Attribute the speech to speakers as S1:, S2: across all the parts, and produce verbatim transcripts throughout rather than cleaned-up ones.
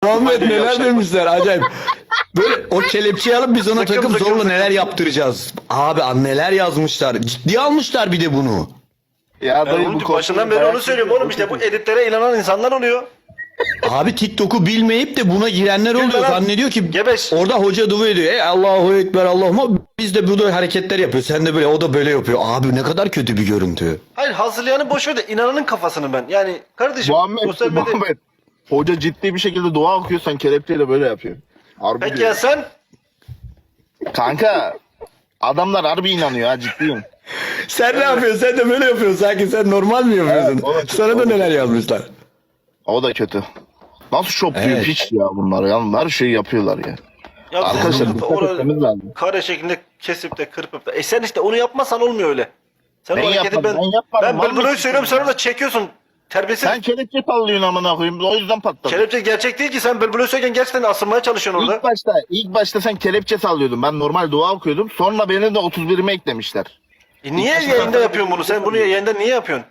S1: Muhammed neler demişler acayip. Böyle o kelepçeyi alıp biz ona
S2: Sakın,
S1: takıp
S2: sakın,
S1: zorla
S2: sakın.
S1: neler yaptıracağız. Abi an neler yazmışlar. Ciddiye almışlar bir de bunu.
S3: Ya
S2: Ya
S3: dayı
S2: oğlum,
S3: bu
S2: başından beri onu söylüyorum oğlum, işte bu editlere inanan insanlar oluyor.
S1: Abi TikTok'u bilmeyip de buna girenler oluyor.
S2: lan.
S1: Zannediyor ki
S2: Gebeş.
S1: orada hoca dua ediyor. Ey Allahu Ekber Allah'ıma, biz de burada hareketler yapıyor. Sen de böyle, o da böyle yapıyor. Abi ne kadar kötü bir görüntü.
S2: Hayır, hazırlayanı boş ver de inananın kafasını ben. Yani kardeşim
S3: Muhammed,
S2: sosyal medya...
S3: Muhammed. Hoca ciddi bir şekilde dua okuyor, sen kelepçeyle böyle yapıyor. Harbi
S2: Peki
S3: diyor.
S2: ya sen?
S3: Kanka adamlar harbi inanıyor ha, ciddiyim.
S1: Sen ne yapıyorsun? Sen de böyle yapıyorsun. Sanki sen normal mi yapıyorsun?
S3: Evet, o da kötü,
S1: Sana
S3: o
S1: da
S3: da
S1: neler yazmışlar.
S3: O da kötü. Nasıl şopluyor
S1: Evet.
S3: piç ya bunlar ya. Her şeyi yapıyorlar ya.
S2: Ya
S3: Arkadaşlar
S2: sen
S3: dikkat
S2: orada
S3: etmemiz lazım.
S2: kare şeklinde kesip de kırpıp da. E sen işte onu yapmasan olmuyor öyle. Sen
S3: Ben
S2: o hareketi
S3: yapmadım,
S2: ben...
S3: ben yapmadım.
S2: Ben
S3: Vallahi
S2: bülbülü söylüyorum, sen
S3: ya.
S2: orada çekiyorsun. Terbiyesiz.
S3: Sen kelepçe sallıyorsun amına koyayım. O yüzden patladı.
S2: Kelepçe gerçek değil ki, sen bülbülü söylerken gerçekten asılmaya çalışıyorsun orada.
S3: İlk başta, ilk başta sen kelepçe sallıyordun. Ben normal dua okuyordum. Sonra beni de otuz birime eklemişler.
S2: E niye yayında yapıyorsun bunu? Sen bunu yayında niye yapıyorsun?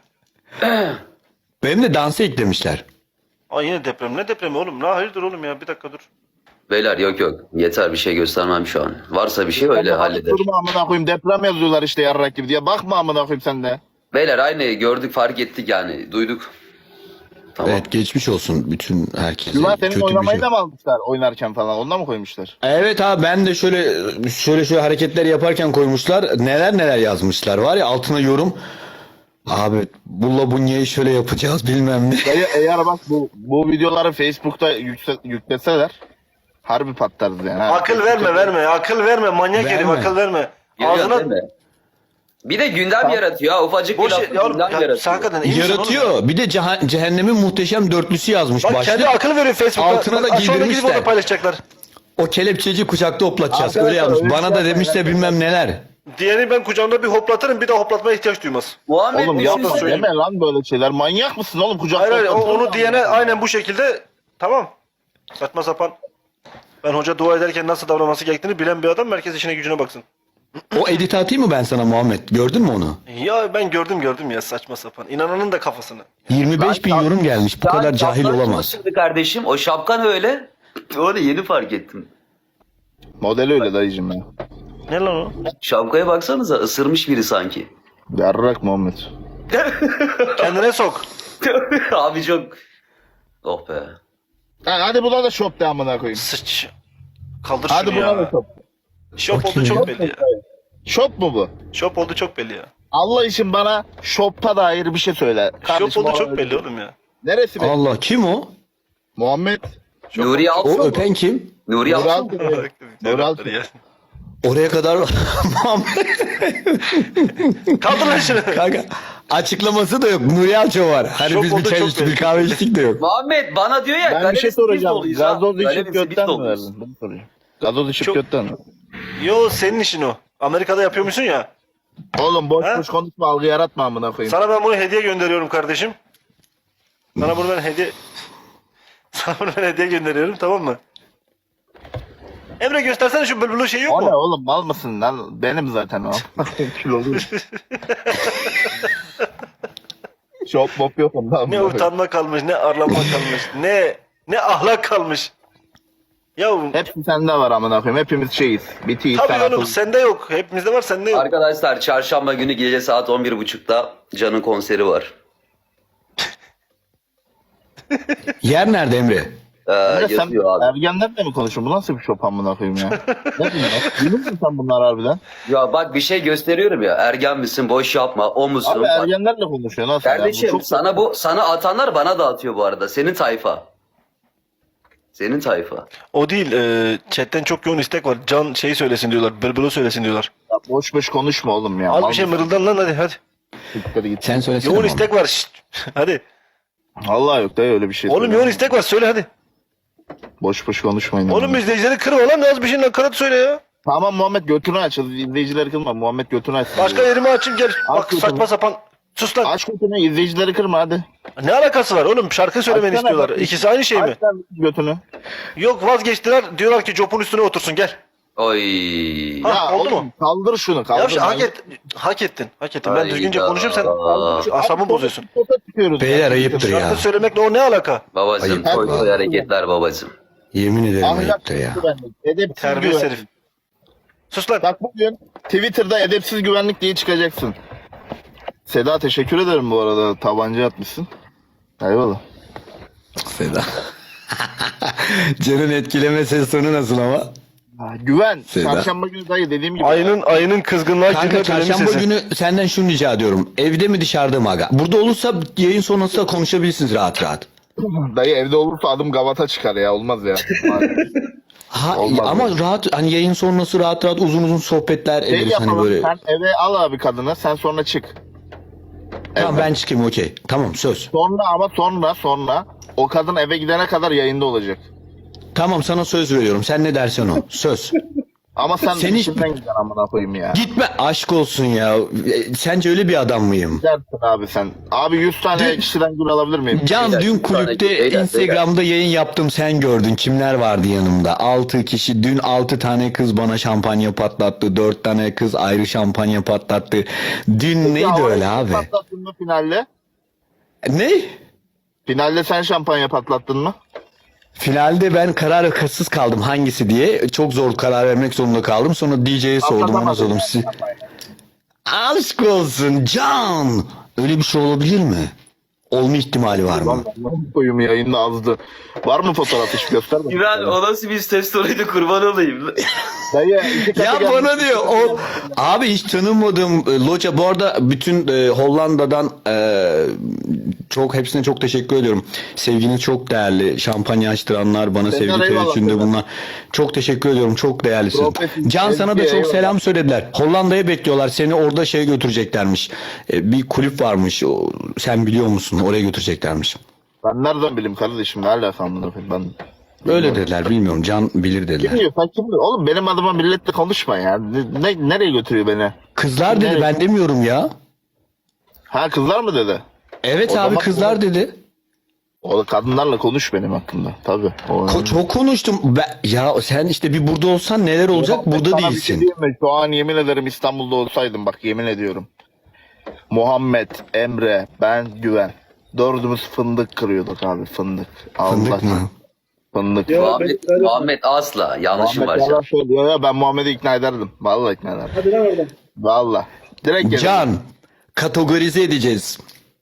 S1: Benim de dansı eklemişler.
S2: Ay yine deprem. Ne depremi oğlum? Ne hayırdır oğlum ya? Bir dakika dur.
S4: Beyler yok yok. Yeter, bir şey göstermem şu an. Varsa bir şey öyle halleder.
S3: Durma amına koyayım. Deprem yazıyorlar işte yarrak gibi diye. Bakma amına koyayım sen de.
S4: Beyler aynı gördük, fark ettik yani. Duyduk. Tamam.
S1: Evet, geçmiş olsun bütün herkese.
S3: Güven senin
S1: Kötü bir
S3: oynamayı
S1: şey.
S3: da mı almışlar oynarken falan? Ondan mı koymuşlar?
S1: Evet abi, ben de şöyle şöyle şöyle hareketler yaparken koymuşlar. Neler neler yazmışlar var ya, altına yorum. Abi bulla bunyayı şöyle yapacağız bilmem ne.
S3: Dayı, eğer bak bu bu videoları Facebook'ta yükse, yükleseler harbi patlarız yani. ha.
S2: Akıl verme verme. Akıl verme. Manyak
S1: Verme.
S2: herif, akıl verme.
S4: Geliyor değil
S2: Ağzına...
S4: mi? Bir de gündem yaratıyor ha. Ufacık bir
S2: Boş
S4: laf
S2: ya,
S4: gündem
S2: ya,
S4: yaratıyor.
S2: sen hakikaten iyi misin oğlum?
S1: Yaratıyor. Bir de ceha- cehennemin muhteşem dörtlüsü yazmış.
S2: Bak
S1: Başlık.
S2: kendi akıl veriyor Facebook'ta.
S1: Altına da
S2: Bak, sonra gidip
S1: giydirmişler.
S2: onu paylaşacaklar.
S1: O kelepçeci kucakta hoplatacağız.
S3: Arkadaşlar,
S1: Öyle yazmış.
S3: öyle
S1: Bana
S3: şey
S1: da demişler
S3: yapmayın.
S1: bilmem neler.
S2: Diğerini ben kucağımda bir hoplatırım, bir daha hoplatmaya ihtiyaç duymaz.
S4: Muhammed
S3: Oğlum
S4: bir
S3: yapma
S4: şey söyleyeyim.
S3: deme lan böyle şeyler. Manyak mısın oğlum? Kucakta
S2: Hayır hayır, o-
S3: oturuyor
S2: onu
S3: lan.
S2: diyene aynen bu şekilde tamam. Saçma sapan. Ben hoca dua ederken nasıl davranması gerektiğini bilen bir adam, merkez işine gücüne baksın.
S1: O edit atayım mı ben sana Muhammed? Gördün mü onu?
S2: Ya ben gördüm gördüm ya, saçma sapan. İnananın da kafasını.
S1: yirmi beş bin yorum gelmiş. Bu
S4: Sen
S1: kadar cahil
S4: şapkan
S1: olamaz.
S4: çalıştırdı kardeşim. O şapkan öyle. Onu yeni fark ettim.
S3: Modeli öyle dayıcım ya.
S2: Ne lan o?
S4: Şapkaya baksanıza, ısırmış biri sanki.
S3: Yarrak Muhammed.
S2: Kendine sok.
S4: Abi çok... Oh be.
S3: Ha, hadi buna da şop de amına koyayım.
S2: Sıç. Kaldır
S3: Hadi
S2: şunu
S3: buna da
S2: ya.
S3: şop.
S2: Şop oldu
S1: Bakayım
S2: çok
S1: ya.
S2: belli ya.
S3: Şop mu bu?
S2: Şop oldu çok belli ya.
S3: Allah için bana şopta dair bir şey söyle.
S2: Şop oldu
S3: bana-
S2: çok belli oğlum ya.
S3: Neresi be?
S1: Allah, kim o?
S3: Muhammed.
S4: Nuri
S1: O
S4: Alço.
S1: öpen kim?
S4: Nuri
S3: Nuri
S4: Alço.
S3: Alço. Nuri Alço.
S1: Oraya kadar Muhammed.
S2: Kaldır lan şunu.
S1: Kanka açıklaması da yok. Nuri Alço var. Hani
S2: Şok
S1: biz bir
S2: oldu,
S1: çay
S2: çok
S1: içtik, bir
S2: belli.
S1: kahve içtik de yok.
S4: Muhammed bana diyor ya.
S3: Ben bir
S4: galerisi
S3: şey
S4: biz
S3: soracağım.
S4: doluyuz ha.
S3: Gazoz içip
S4: Galerisi biz
S3: götten mi
S4: doluyuz.
S3: verdin? Bunu soracağım. Gazoz içip
S2: Çok-
S3: götten mi?
S2: Yo, senin işin o. Amerika'da yapıyormuşsun ya.
S3: Oğlum boş
S2: Ha?
S3: boş konuşma, algı yaratma amına koyayım.
S2: Sana ben bunu hediye gönderiyorum kardeşim. Sana bunu ben hediye... Sana bunu ben hediye gönderiyorum, tamam mı? Emre göstersene şu bülbülü şey yok
S3: O ne
S2: mu?
S3: oğlum, mal mısın lan? Benim zaten o. Kilolu. Şop mop yok ondan.
S2: Ne
S3: amına koyayım.
S2: utanma kalmış, ne arlanma kalmış, ne ne ahlak kalmış. Ya
S3: Hepsi sende var amına koyayım. Hepimiz şeyiz. Bitiyiz.
S2: tabii
S3: sen
S2: oğlum,
S3: akıllı.
S2: sende yok. Hepimizde var, sende yok.
S4: Arkadaşlar çarşamba günü gece saat on bir buçukta Can'ın konseri var.
S1: Yer nerede Emre?
S4: Ee,
S3: Emre, sen
S4: yazıyor abi.
S3: ergenlerle mi konuşuyorsun? Bu nasıl bir şop amına koyayım ya? Ne bunlar? Bilir misin sen bunlar harbiden?
S4: Ya bak bir şey gösteriyorum ya. Ergen misin? Boş yapma. O musun?
S3: Abi
S4: Bak,
S3: ergenlerle konuşuyor. Nasıl ya? Bu
S4: kardeşim
S3: çok-
S4: sana bu sana atanlar bana da atıyor bu arada. Senin tayfa. Senin tayfa.
S2: O değil, e, chatten çok yoğun istek var. Can şeyi söylesin diyorlar, bülbülü söylesin diyorlar.
S3: Ya boş boş konuşma oğlum ya.
S2: Az
S3: Mal
S2: bir şey
S3: mısın?
S2: mırıldan lan, hadi hadi.
S3: Siktir git.
S1: Sen söylesene.
S2: Yoğun
S1: Muhammed.
S2: istek var, şşt. Hadi.
S3: Vallahi yok da öyle bir şey.
S2: Oğlum
S3: söyle.
S2: yoğun istek var, söyle hadi.
S3: Boş boş konuşmayın.
S2: Oğlum
S3: amına.
S2: izleyicileri kırma lan, az bir şey nakarat söyle ya.
S3: Tamam Muhammed götünü aç. İzleyicileri kırma. Muhammed götünü aç.
S2: Başka yerimi açayım gel. Bak
S3: götünü.
S2: saçma sapan. Sus lan.
S3: Aç götünü, izleyicileri kırma hadi.
S2: Ne alakası var oğlum? Şarkı söylemeni
S3: Açsana
S2: istiyorlar.
S3: bak.
S2: İkisi aynı şey mi?
S3: Aç lan götünü.
S2: Yok, vazgeçtiler. Diyorlar ki Jop'un üstüne otursun, gel.
S4: Oy.
S2: Ha,
S3: Ya
S2: oldu
S3: oğlum
S2: mu?
S3: kaldır şunu kaldır.
S2: Ya işte hak,
S3: Manyak-
S2: et, hak ettin. Hak ettin. Ben
S4: Hayda.
S2: düzgünce konuşayım, sen
S3: Şu
S2: asabımı
S3: abi,
S2: bozuyorsun.
S3: foto çıkıyoruz.
S1: Beyler ayıptır ya.
S2: Şarkı söylemekle o ne alaka?
S4: Babacım
S1: Ayıp.
S4: toy toy hareketler babacım.
S1: Yemin ederim
S3: Ahlaksız
S1: ayıptır ya.
S3: güvenlik, edepsiz
S2: Terbiyesiz
S3: güvenlik.
S2: herif. Sus lan.
S3: Bak bugün Twitter'da edepsiz güvenlik diye çıkacaksın. Seda teşekkür ederim bu arada. Tabanca atmışsın. Eyvallah.
S1: Seda. Can'ın etkileme ses tonu nasıl ama?
S3: Ha, güven.
S1: Seda.
S3: Çarşamba günü dayı dediğim gibi.
S2: Ayının ayının kızgınlığa
S1: Kanka
S2: girme dönemi
S1: çarşamba
S2: sesi.
S1: günü senden şunu rica ediyorum. Evde mi dışarıda mı aga? Burada olursa yayın sonrası da konuşabilirsiniz rahat rahat.
S3: Dayı evde olursa adım gavata çıkar ya. Olmaz ya.
S1: Ha,
S3: Olmaz
S1: ama
S3: yani.
S1: rahat hani yayın sonrası rahat rahat uzun uzun sohbetler
S3: Şey
S1: ederiz hani
S3: yapalım.
S1: böyle.
S3: Sen eve al abi kadını. Sen sonra çık.
S1: Tamam
S3: Evet.
S1: ben çıkayım okey. Tamam söz.
S3: Sonra ama sonra sonra o kadın eve gidene kadar yayında olacak.
S1: Tamam sana söz veriyorum. Sen ne dersen o. Söz.
S3: Ama sen
S1: Seni-
S3: Seni... içinden gideceksin amına koyayım ya.
S1: Gitme aşk olsun ya. E, Sence öyle bir adam mıyım?
S3: Gidersin abi sen. Abi yüz tane
S1: Dün-
S3: kişiden gül alabilir miyim?
S1: Can
S4: Beyler,
S1: dün
S4: bir tane
S1: kulüpte
S4: beyler,
S1: Instagram'da yayın yaptım sen gördün. Kimler vardı yanımda? altı kişi. Dün altı tane kız bana şampanya patlattı. dört tane kız ayrı şampanya patlattı. Dün neydi
S3: Ya,
S1: öyle
S3: orayı
S1: abi?
S3: Patlattın mı finalde?
S1: Ne?
S3: Finalde sen şampanya patlattın mı?
S1: Finalde ben kararsız kaldım hangisi diye. Çok zor karar vermek zorunda kaldım. Sonra D J'ye sordum ona
S3: Patlatamadın
S1: sordum.
S3: yani
S1: Siz...
S3: şampanyayı.
S1: Aşk olsun Can. Öyle bir şey olabilir mi? Olma ihtimali var mı?
S3: Lan koyum yayında azdı. Var mı fotoğraf hiç göster bakayım.
S4: Güven o nasıl bir ses tonuydu kurban olayım.
S3: Dayı iki katı
S1: Ya
S3: gelmiş.
S1: bana diyor o abi hiç tanımadığım e, loca bu arada bütün e, Hollanda'dan e, çok hepsine çok teşekkür ediyorum. Sevginiz çok değerli. Şampanya açtıranlar bana
S3: Senden
S1: sevgi
S3: eyvallah
S1: teveccühünde
S3: Senden.
S1: bunlar. Çok teşekkür ediyorum. Çok değerlisin.
S3: Profesyonel
S1: Can sana da
S3: sevgi,
S1: çok
S3: eyvallah.
S1: selam söylediler. Hollanda'ya bekliyorlar. Seni orada şeye götüreceklermiş. E, bir kulüp varmış. O, sen biliyor musun? Oraya götüreceklermiş.
S3: Ben nereden bileyim kardeşim? Ne alakam bunu ben?
S1: Öyle dediler. Bilmiyorum. Can bilir dediler.
S3: Kim diyor? Sen kim diyor? Oğlum benim adıma milletle konuşma ya. Ne, ne- nereye götürüyor beni?
S1: Kızlar dedi.
S3: Nereye?
S1: Ben demiyorum ya.
S3: Ha kızlar mı dedi?
S1: Evet
S3: O
S1: abi
S3: zaman-
S1: kızlar dedi.
S3: O da kadınlarla konuş benim hakkında. Tabii. O
S1: Ko- çok konuştum. Ben, ya sen işte bir burada olsan neler olacak? Burada
S3: Sana bir şey
S1: değilsin.
S3: diyeyim mi? Şu an yemin ederim İstanbul'da olsaydım bak yemin ediyorum. Muhammed, Emre, ben, Güven. Dördümüz fındık kırıyorduk abi fındık.
S1: Fındık
S3: Allah-
S1: mı?
S3: Fındık.
S5: Ya
S4: Muhammed,
S5: ben öyle-
S4: Muhammed asla yanlışım var
S3: Muhammed
S4: şu an.
S3: yalan söylüyor ya ben Muhammed'i ikna ederdim. Vallahi ikna ederdim.
S5: Hadi lan oradan.
S3: Vallahi. Direkt gelirdim.
S1: Can kategorize edeceğiz.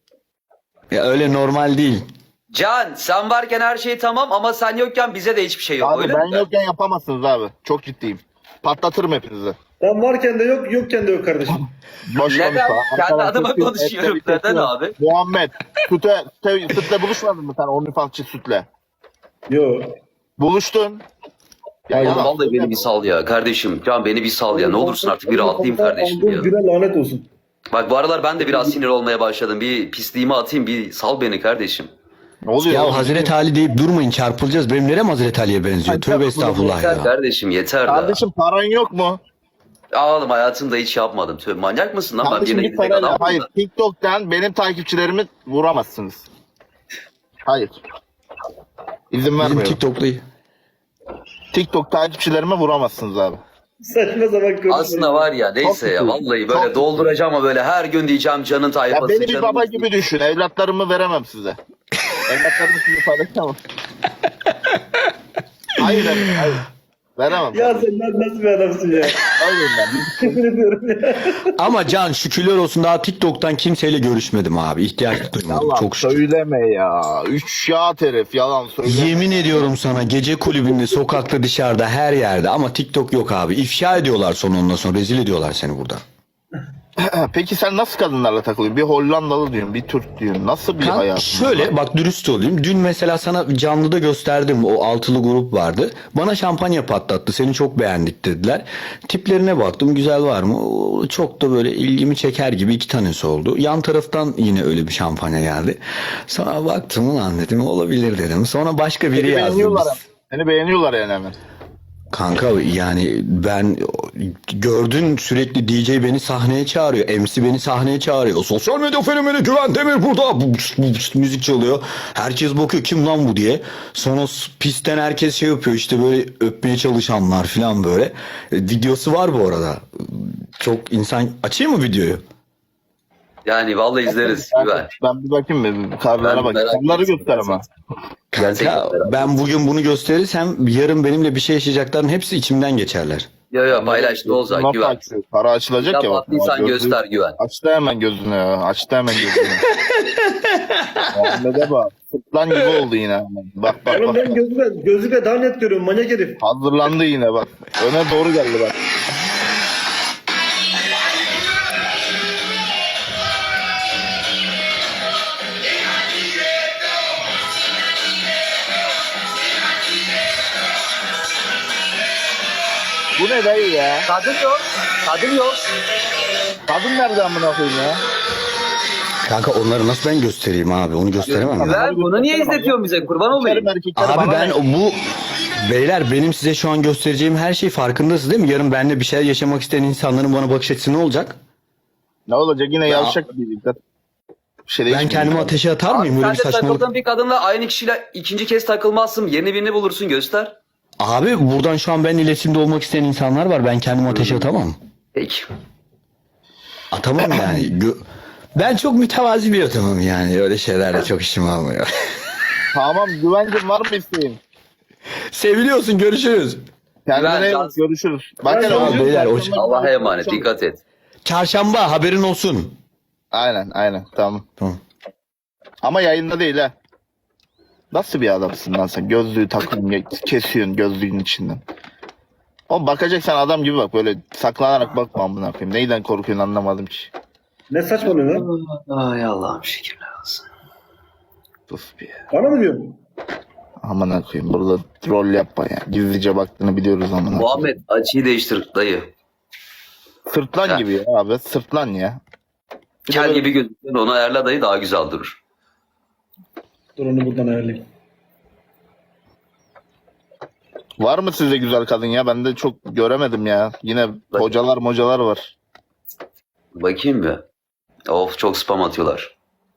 S1: Ya öyle normal değil.
S4: Can sen varken her şey tamam ama sen yokken bize de hiçbir şey yok.
S3: Abi
S4: öyle
S3: ben
S4: mi?
S3: yokken yapamazsınız abi. Çok ciddiyim. Patlatırım hepinizi.
S5: Ben varken de yok, yokken de yok kardeşim.
S3: Boş
S4: Neden?
S3: konuşma.
S4: Kendi
S3: Arkadan
S4: adıma
S3: sütü,
S4: konuşuyorum.
S3: etle bir
S4: Neden
S3: kesiyor.
S4: abi?
S3: Muhammed. Süte, süte, sütle buluşmadın mı sen OnlyFansçı sütle?
S5: Yo.
S3: Buluştun. Ya
S5: Hayır,
S3: yalan
S4: Vallahi beni
S3: söyleme.
S4: bir sal ya kardeşim. Can beni bir sal ya. Ne olursun artık bir rahatlayayım kardeşim
S5: Aldığım
S4: ya.
S5: güne lanet olsun.
S4: Bak bu aralar ben de biraz sinir olmaya başladım. Bir pisliğimi atayım bir sal beni kardeşim.
S3: Ne oluyor?
S1: Ya
S3: oğlum?
S1: Hazreti Ali deyip durmayın çarpılacağız. Benim nerem Hazreti Ali'ye benziyor?
S3: Ay,
S1: Tövbe estağfurullah
S4: Yeter
S1: ya.
S4: kardeşim yeter da.
S3: Kardeşim paran yok mu?
S4: Ya oğlum hayatımda hiç yapmadım. Tövbe manyak mısın lan? Ben
S3: Kardeşim
S4: birine
S3: bir
S4: gidecek
S3: parayla.
S4: adam
S3: Hayır
S4: mıyım
S3: TikTok'tan benim takipçilerimi vuramazsınız. Hayır. İzin
S1: Bizim
S3: vermiyorum.
S1: TikTok'ta
S3: TikTok takipçilerime vuramazsınız abi.
S5: Saçma sapan konuşma.
S4: Aslında var ya neyse ya
S3: Çok
S4: vallahi
S3: Çok
S4: böyle dolduracağım ama böyle her gün diyeceğim canın
S3: Ya
S4: tayfası.
S3: beni bir
S4: canın-
S3: baba gibi düşün. Evlatlarımı veremem size. Evlatlarımı size paylaşamam. Hayır efendim, hayır. Veremem.
S5: Ya sen lan nasıl bir adamsın ya?
S3: Öyleyim ben.
S5: Yemin ediyorum ya.
S1: Ama Can şükürler olsun daha TikTok'tan kimseyle görüşmedim abi. İhtiyaç duymadım.
S3: Yalan
S1: Çok şükür.
S3: söyleme ya. Üç yağ herif yalan söyleme.
S1: Yemin ediyorum sana gece kulübünde, sokakta, dışarıda, her yerde ama TikTok yok abi. İfşa ediyorlar sonra ondan sonra rezil ediyorlar seni burada.
S3: Peki sen nasıl kadınlarla takılıyorsun? Bir Hollandalı diyorsun, bir Türk diyorsun. Nasıl bir
S1: Kan-
S3: hayat?
S1: şöyle bak dürüst olayım. Dün mesela sana canlıda gösterdim o altılı grup vardı. Bana şampanya patlattı. Seni çok beğendik dediler. Tiplerine baktım güzel var mı? O çok da böyle ilgimi çeker gibi iki tanesi oldu. Yan taraftan yine öyle bir şampanya geldi. Sonra baktım ulan dedim olabilir dedim. Sonra başka biri
S3: Seni
S1: yazdı.
S3: beğeniyorlar. Seni beğeniyorlar yani hemen.
S1: Kanka yani ben gördün sürekli D J beni sahneye çağırıyor. M C beni sahneye çağırıyor. Sosyal medya fenomeni Güven Demir burada. Bu, bu, bu, müzik çalıyor. Herkes bakıyor kim lan bu diye. Sonra s- pistten herkes şey yapıyor işte böyle öpmeye çalışanlar falan böyle. E, videosu var bu arada. Çok insan açayım mı videoyu?
S4: Yani vallahi izleriz Güven.
S3: Ben bir bakayım mı? Karlara
S4: Ben
S3: bak.
S4: merak
S3: Karları
S4: ettim.
S3: göster ama.
S4: Gerçekten
S1: Ya,
S4: merak
S1: ben bugün bunu gösterirsem yarın benimle bir şey yaşayacakların hepsi içimden geçerler.
S4: Yo yo paylaş ne olacak
S3: Nasıl
S4: Güven.
S3: açıyor? Para açılacak ya bak.
S4: Kapattıysan
S3: Gözlüğü-
S4: göster Güven.
S3: Açtı hemen gözünü ya. Açtı hemen gözünü. Muhammed'e bak. Sırtlan gibi oldu yine. Bak bak
S5: Oğlum
S3: bak.
S5: ben gözüme, gözüme daha net görüyorum manyak herif.
S3: Hazırlandı yine bak. Öne doğru geldi bak. Bu ne dayı ya?
S4: Kadın yok. Kadın yok.
S3: Kadın nerede amına koyayım ya?
S1: Kanka onları nasıl ben göstereyim abi? Onu gösteremem. ben.
S4: Güven bunu niye izletiyorsun bize kurban olayım.
S3: Erkekler erkekler
S1: Abi
S3: bana
S1: ben
S3: ne?
S1: bu beyler benim size şu an göstereceğim her şey farkındasınız değil mi? Yarın benimle bir şeyler yaşamak isteyen insanların bana bakış açısı ne olacak?
S3: Ne olacak yine yavşak bir dikkat. Bir şey
S1: Ben
S3: değişmiyor.
S1: kendimi ateşe atar mıyım?
S4: Abi
S1: Böyle
S4: sen
S1: bir
S4: de
S1: saçmalık.
S4: takıldığın bir kadınla aynı kişiyle ikinci kez takılmazsın. Yeni birini bulursun göster.
S1: Abi buradan şu an ben iletişimde olmak isteyen insanlar var. Ben kendimi ateşe atamam.
S4: Peki.
S1: Atamam yani. Gö- ben çok mütevazi bir adamım yani. Öyle şeylerle çok işim almıyor.
S3: Tamam güvencim var mı isteğin?
S1: Seviliyorsun, görüşürüz.
S3: Kendine
S4: Güven,
S3: iyi bak,
S4: dans-
S3: görüşürüz. Bak
S5: Ben
S3: hele
S5: de-
S3: o-
S1: beyler, o-
S4: Allah'a emanet dikkat et.
S1: Çarşamba haberin olsun.
S3: Aynen aynen tamam.
S1: Tamam.
S3: Ama yayında değil ha. Nasıl bir adamsın lan sen? Gözlüğü takıyorsun, kesiyorsun gözlüğün içinden. O bakacaksan adam gibi bak, böyle saklanarak bakma amına koyayım. Neyden korkuyorsun anlamadım ki.
S5: Ne saçmalıyorsun lan?
S4: Ay Allah'ım şükürler olsun.
S3: Sus bir ya.
S5: Bana mı diyorsun?
S3: Amına koyayım, burada rol yapma ya. Gizlice baktığını biliyoruz amına koyayım.
S4: Muhammed açıyı değiştir dayı.
S3: Sırtlan
S4: Ha.
S3: gibi ya abi, sırtlan ya. Bir de
S4: Kel
S3: böyle-
S4: gibi gözüküyor onu ayarla dayı daha güzel durur.
S5: Dur onu buradan ayarlayayım.
S3: Var mı sizde güzel kadın ya? Ben de çok göremedim ya. Yine hocalar mocalar var.
S4: Bakayım bir. Of çok spam atıyorlar.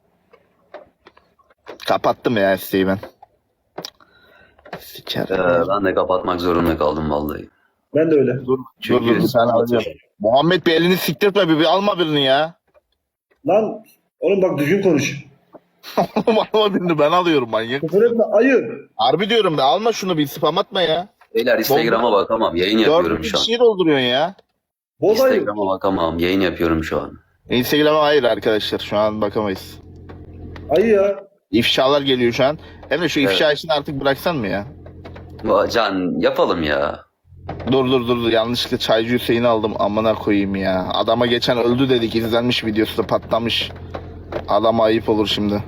S3: Kapattım ya isteği ben.
S4: Ee,
S3: Sikerim.
S4: ben de kapatmak zorunda kaldım vallahi.
S5: Ben de öyle.
S3: Dur,
S4: Çünkü
S3: dur, dur, sen alacağım. Muhammed bir elini siktirtme, bir, bir alma birini ya.
S5: Lan oğlum bak düzgün konuş.
S3: alma birini, ben alıyorum manyak.
S5: Küfür etme ayı.
S3: Harbi diyorum be, alma şunu, bir spam atma ya.
S4: Beyler Instagram'a bakamam yayın yapıyorum
S3: Dört
S4: şu an.
S3: kişiyi dolduruyorsun ya.
S5: Boz ayı.
S4: Instagram'a bakamam yayın yapıyorum şu an.
S3: Instagram'a hayır arkadaşlar, şu an bakamayız.
S5: Ayı ya.
S3: İfşalar geliyor şu an. Hem de şu
S4: Evet.
S3: ifşa işini artık bıraksan mı ya?
S4: Va- Can yapalım ya.
S3: Dur dur dur dur. Yanlışlıkla Çaycı Hüseyin'i aldım, amına koyayım ya. Adama geçen öldü dedik, izlenmiş, videosu da patlamış. Adama ayıp olur şimdi.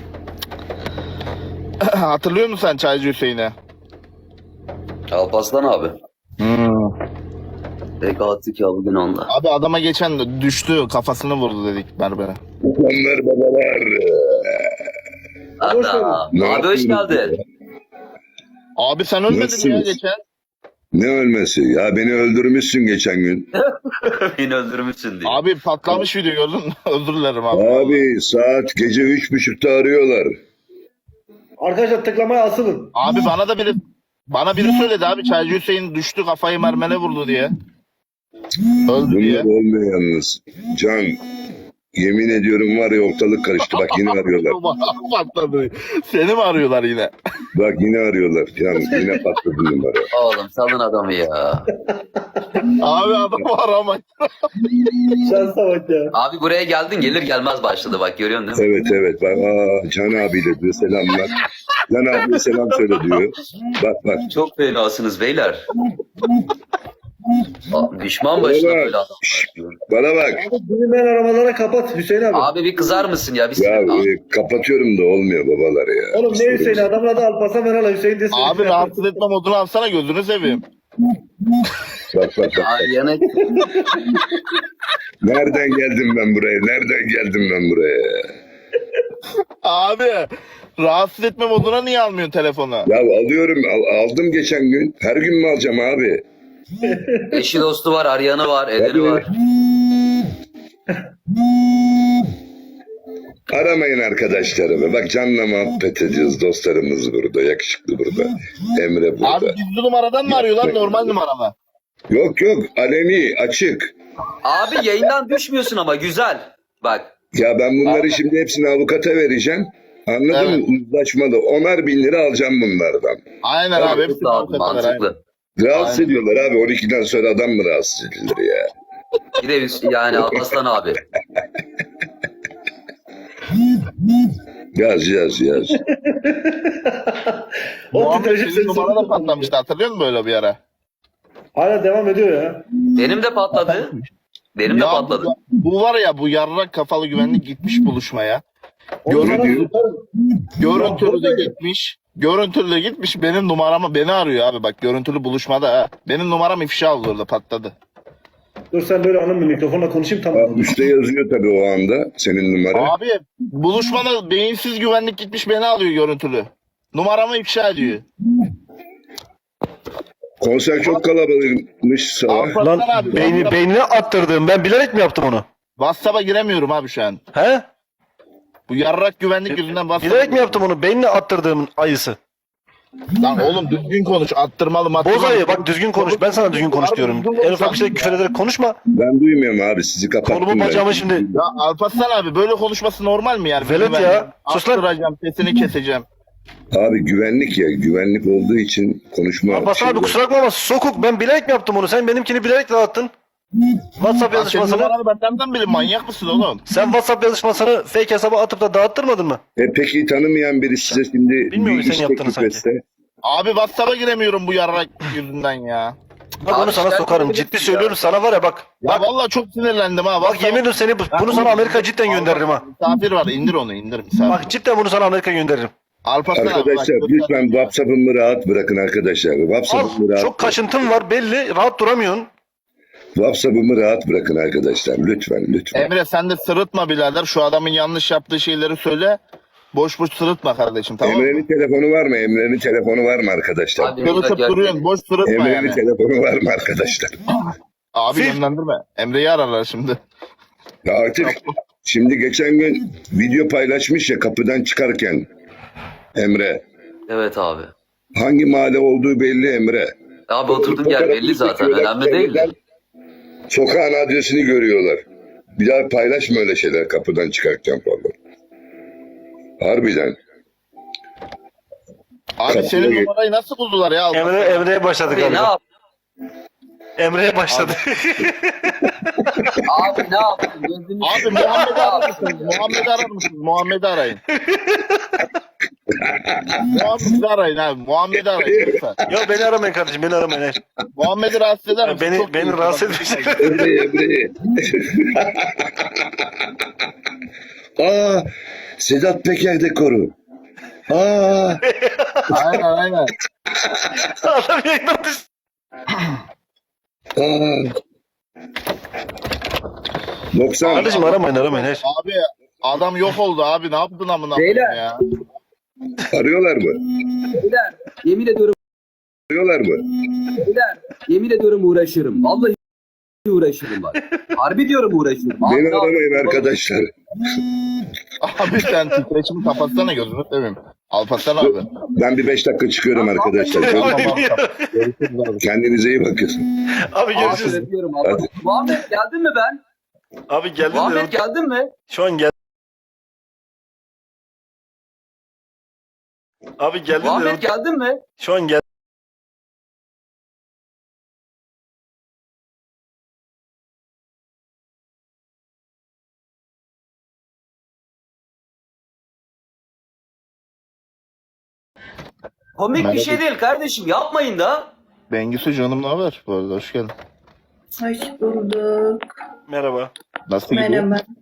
S3: Hatırlıyor musun sen Çaycı Hüseyin'i?
S4: Alpaslan abi.
S3: Hmm.
S4: Pek attık ya bugün onda.
S3: Abi adama geçen düştü, kafasını vurdu dedik berbere.
S6: Onlar babalar.
S5: Hoş
S4: Adam.
S6: Ne
S4: Abi hoş
S6: yapıyorsun
S4: geldin.
S3: Abi sen ölmedin mi ya
S6: Nasılsınız?
S3: geçen?
S6: Ne ölmesi? Ya beni öldürmüşsün geçen gün.
S4: Beni öldürmüşsün diye.
S3: Abi patlamış video gördün mü? Özür dilerim abi.
S6: Abi saat gece üç buçukta arıyorlar.
S5: Arkadaşlar tıklamaya asılın.
S3: Abi bana da biri bana biri söyledi abi, Çaycı Hüseyin düştü, kafayı mermene vurdu diye. Öldü diye.
S6: Bunlar olmuyor yalnız. Can, yemin ediyorum var ya, ortalık karıştı. Bak yine arıyorlar.
S3: Patladı. Seni mi arıyorlar yine?
S6: Bak yine arıyorlar. Can yine patladı numara.
S4: Oğlum salın adamı ya.
S3: Abi adamı aramayın.
S5: Şansa bak ya.
S4: Abi buraya geldin gelir gelmez başladı bak görüyorsun değil mi?
S6: Evet evet. Bak aa, Can abiyle diyor selamlar. Can abiye selam söyle diyor. Bak bak.
S4: Çok fenasınız beyler. Aa, düşman başına
S6: Oğlum,
S4: böyle adam.
S6: şşş, bana bak.
S5: Bilinmeyen aramalara kapat Hüseyin abi.
S4: Abi bir kızar mısın ya? Bir
S6: Ya
S4: sinir-
S6: e, kapatıyorum da olmuyor babalar ya.
S5: Oğlum ne Hüseyin adamın adı Alparslan Meral Hüseyin desin.
S3: Abi rahatsız etme modunu alsana, gözünü seveyim.
S6: Bak bak bak.
S4: Ay, yana...
S6: Nereden geldim ben buraya? Nereden geldim ben buraya?
S3: Abi rahatsız etme moduna niye almıyorsun telefonu?
S6: Ya alıyorum, al- aldım geçen gün. Her gün mü alacağım abi?
S4: Eşi dostu var, arayanı var, edeni
S6: Tabii.
S4: var.
S6: Aramayın arkadaşlarımı. Bak Can'la muhabbet ediyoruz. Dostlarımız burada. Yakışıklı burada. Emre burada.
S3: Abi gizli numaradan mı arıyorlar, normal numaradan?
S6: Yok yok. Aleni. Açık.
S4: Abi yayından düşmüyorsun ama güzel. Bak
S6: Ya ben bunları şimdi hepsini avukata vereceğim. Anladın
S3: Evet.
S6: mı? Uzlaşmalı. Onar bin lira alacağım bunlardan.
S3: Aynen abi. Hepsi
S4: Mantıklı abi,
S3: avukatlar, aynen.
S4: mantıklı.
S6: Rahatsız
S3: Aynen.
S6: ediyorlar abi. on ikiden sonra adam mı rahatsız edilir ya?
S4: Bir de Hüs- yani Alparslan abi.
S6: Yaz yaz yaz.
S5: O
S3: Muhammed
S5: titreşim
S3: senin
S5: sesi.
S3: numara da patlamıştı, hatırlıyor musun böyle bir ara?
S5: Hala devam ediyor ya.
S4: Benim de patladı. Benim de
S3: Ya
S4: patladı.
S3: Bu, bu var ya, bu yarrak kafalı güvenlik gitmiş buluşmaya.
S5: Onlara
S3: Görüntü,
S5: sokarım.
S3: görüntülü de gitmiş. Görüntülü de gitmiş, benim numaramı beni arıyor abi, bak görüntülü buluşmada ha. Benim numaram ifşa oldu orada, patladı.
S5: Dur sen böyle anın bir mikrofonla konuşayım
S6: Ha,
S5: tamam.
S6: üstte yazıyor tabii o anda senin numara.
S3: Abi buluşmada beyinsiz güvenlik gitmiş beni alıyor görüntülü. Numaramı ifşa ediyor.
S6: Konser çok kalabalıkmış sabah.
S3: Alparslan abi,
S2: Beyni,
S3: WhatsApp-
S2: beynine attırdım. Ben bilerek mi yaptım onu?
S3: WhatsApp'a giremiyorum abi şu an.
S2: He?
S3: Bu yarrak güvenlik yüzünden WhatsApp'a
S2: Bilerek mi yaptım onu? Beynine attırdığımın ayısı.
S3: Lan oğlum düzgün konuş, attırmalı mattırmalı.
S2: Bozayı bak düzgün konuş. Ben sana düzgün konuş diyorum. En ufak bir şey küfür ederek konuşma.
S6: Ben duymuyorum abi sizi kapattım.
S2: Kolumu
S6: ben.
S2: bacağımı şimdi.
S3: Ya Alparslan abi böyle konuşması normal mi yani?
S2: Velet
S3: Ben
S2: ya, sus lan.
S3: Attıracağım, sesini keseceğim.
S6: Abi güvenlik ya. Güvenlik olduğu için konuşma.
S2: Abbas abi
S6: şeyi-
S2: kusura bakma ama sokuk. Ben bilerek mi yaptım onu? Sen benimkini bilerek dağıttın. WhatsApp
S3: Ya senin
S2: yazışmasını.
S3: numaranı ben nereden bileyim, manyak mısın oğlum?
S2: Sen WhatsApp yazışmasını fake hesaba atıp da dağıttırmadın mı?
S6: E peki tanımayan biri size şimdi
S2: Bilmiyorum
S6: bir
S2: sen
S6: iş
S2: yaptığını
S6: teklif
S2: sanki.
S6: etse?
S3: Abi WhatsApp'a giremiyorum bu yarrak yüzünden ya.
S2: Bak
S4: Abi
S2: onu sana
S4: sen
S2: sokarım.
S4: bilirsin
S2: Ciddi
S4: ya.
S2: söylüyorum sana var ya bak.
S3: Ya
S2: Bak,
S3: vallahi çok sinirlendim ha.
S2: bak yemin ederim seni bunu sana Amerika cidden gönderirim ha.
S3: Misafir var, indir onu, indir misafir.
S2: Bak cidden bunu sana Amerika gönderirim.
S3: Alparslan abi,
S6: Arkadaşlar
S3: bak,
S6: lütfen WhatsApp'ımı rahat bırakın arkadaşlar. WhatsApp'ımı
S2: Al
S6: rahat,
S2: çok kaşıntın var belli. Rahat duramıyorsun.
S6: WhatsApp'ımı rahat bırakın arkadaşlar. Lütfen lütfen.
S3: Emre sen de sırıtma birader, şu adamın yanlış yaptığı şeyleri söyle. Boş boş sırıtma kardeşim, tamam mı?
S6: Emre'nin telefonu var mı? Emre'nin telefonu var mı arkadaşlar?
S4: Abi,
S3: Kırıtıp
S4: gel-
S3: duruyorsun, boş sırıtma
S6: Emre'nin
S3: yani.
S6: telefonu var mı arkadaşlar?
S3: Abi
S2: Fil.
S3: yönlendirme. Emre'yi ararlar şimdi.
S6: Ya artık şimdi geçen gün video paylaşmış ya kapıdan çıkarken Emre.
S4: Evet abi.
S6: Hangi mahalle olduğu belli Emre.
S4: Abi oturduğum yer belli zaten.
S6: Çekiyorlar,
S4: Önemli değil de.
S6: Sokağın adresini görüyorlar. Bir daha paylaşma öyle şeyler kapıdan çıkarken falan. Harbiden.
S3: Abi
S6: Kapıya
S3: senin
S6: gel-
S3: numarayı nasıl buldular ya?
S2: Emre Emre'ye başladık
S4: Abi
S2: abi.
S4: ne yap?
S2: Emre'ye başladı.
S4: Abi ne yaptın? Gözünü
S3: Abi Muhammed'i arar mısınız? Muhammed'i arar mısınız? Muhammed'i arayın. Muhammed'i arayın abi. Muhammed'i arayın lütfen.
S2: Yok beni aramayın kardeşim beni aramayın. hayır.
S3: Muhammed'i rahatsız eder misin?
S2: Beni
S3: Çok
S2: beni
S3: iyi.
S2: rahatsız etmişler.
S6: Emre'yi Emre'yi. Aa, Sedat Peker dekoru. Aa,
S3: Aynen aynen.
S2: Adam yayından düştü.
S6: aa. doksan.
S2: Kardeşim aramayın aramayın. hayır.
S3: Abi adam yok oldu abi. Ne yaptın amına koyayım
S7: Beyler.
S3: ya?
S6: Arıyorlar mı?
S7: Beyler, yemin ediyorum
S6: Arıyorlar mı?
S7: beyler, yemin ediyorum uğraşırım. Vallahi uğraşırım bak. Harbi diyorum uğraşırım. Abi,
S6: Beni
S7: ne
S6: aramayın
S7: yapayım?
S6: arkadaşlar.
S3: Abi sen titreşimi kapatsana, gözünü seveyim. Alparslan abi.
S6: Ben bir beş dakika çıkıyorum arkadaşlar.
S3: Tamam abi. Görüşürüz abi.
S6: Kendinize iyi bakın.
S2: Abi
S7: Abi
S2: görüşürüz.
S7: öpüyorum. Allah.
S6: Hadi.
S7: Muhammed geldin mi ben?
S2: Abi geldin de.
S7: Muhammed geldin mi?
S2: Şu an gel. Abi geldin de.
S7: Muhammed geldin mi?
S2: Şu an gel.
S4: Komik bir şey değil kardeşim. Yapmayın da.
S3: Bengüsü canım, ne haber? Bu arada hoş geldin.
S8: Hoş bulduk.
S2: Merhaba.
S3: Nasıl gidiyor?
S8: Merhaba.